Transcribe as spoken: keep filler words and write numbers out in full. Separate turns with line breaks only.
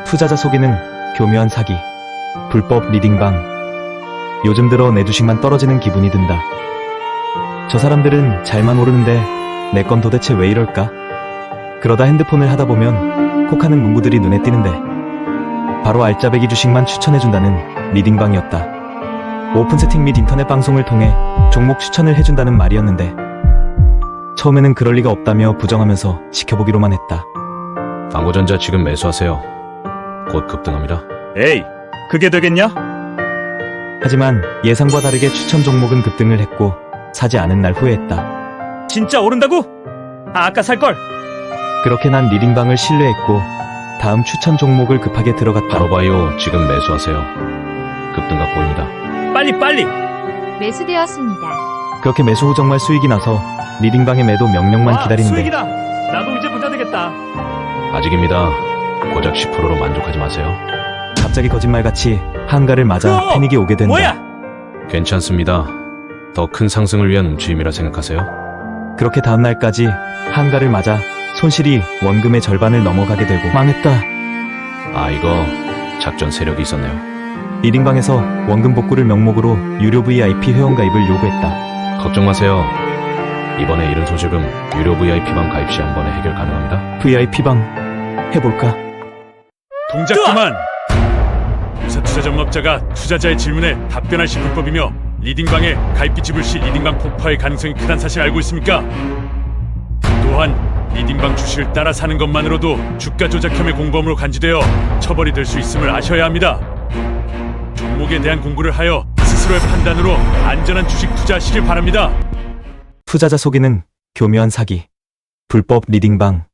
투자자 속이는 교묘한 사기, 불법 리딩방. 요즘 들어 내 주식만 떨어지는 기분이 든다. 저 사람들은 잘만 오르는데 내 건 도대체 왜 이럴까? 그러다 핸드폰을 하다 보면 콕하는 문구들이 눈에 띄는데 바로 알짜배기 주식만 추천해준다는 리딩방이었다. 오픈 세팅 및 인터넷 방송을 통해 종목 추천을 해준다는 말이었는데 처음에는 그럴 리가 없다며 부정하면서 지켜보기로만 했다.
당고전자 지금 매수하세요. 곧 급등합니다.
에이, 그게 되겠냐?
하지만 예상과 다르게 추천 종목은 급등을 했고 사지 않은 날 후회했다.
진짜 오른다고? 아, 아까 살걸.
그렇게 난 리딩방을 신뢰했고 다음 추천 종목을 급하게 들어갔다.
바로바이오 지금 매수하세요. 급등각 보입니다.
빨리 빨리.
매수되었습니다.
그렇게 매수 후 정말 수익이 나서 리딩방의 매도 명령만
와,
기다리는데
수익이다. 나도 이제 부자 되겠다.
아직입니다. 고작 십 퍼센트로 만족하지 마세요.
갑자기 거짓말같이 한가를 맞아
그거
패닉이 오게 된다.
뭐야?
괜찮습니다. 더 큰 상승을 위한 움츠림이라 생각하세요.
그렇게 다음날까지 한가를 맞아 손실이 원금의 절반을 넘어가게 되고 망했다.
아, 이거 작전 세력이 있었네요.
리딩방에서 원금 복구를 명목으로 유료 브이아이피 회원가입을 요구했다.
걱정 마세요. 이번에 잃은 소지금 유료 브이아이피방 가입 시 한 번에 해결 가능합니다.
브이아이피방 해볼까?
동작 그만. 유사 투자 전업자가 투자자의 질문에 답변할 시 불법이며 리딩방에 가입비 지불 시 리딩방 폭파의 가능성이 크다는 사실 알고 있습니까? 또한 리딩방 주식을 따라 사는 것만으로도 주가 조작 혐의 공범으로 간주되어 처벌이 될 수 있음을 아셔야 합니다. 종목에 대한 공부를 하여 스스로의 판단으로 안전한 주식 투자하시길 바랍니다.
투자자 속이는 교묘한 사기, 불법 리딩방.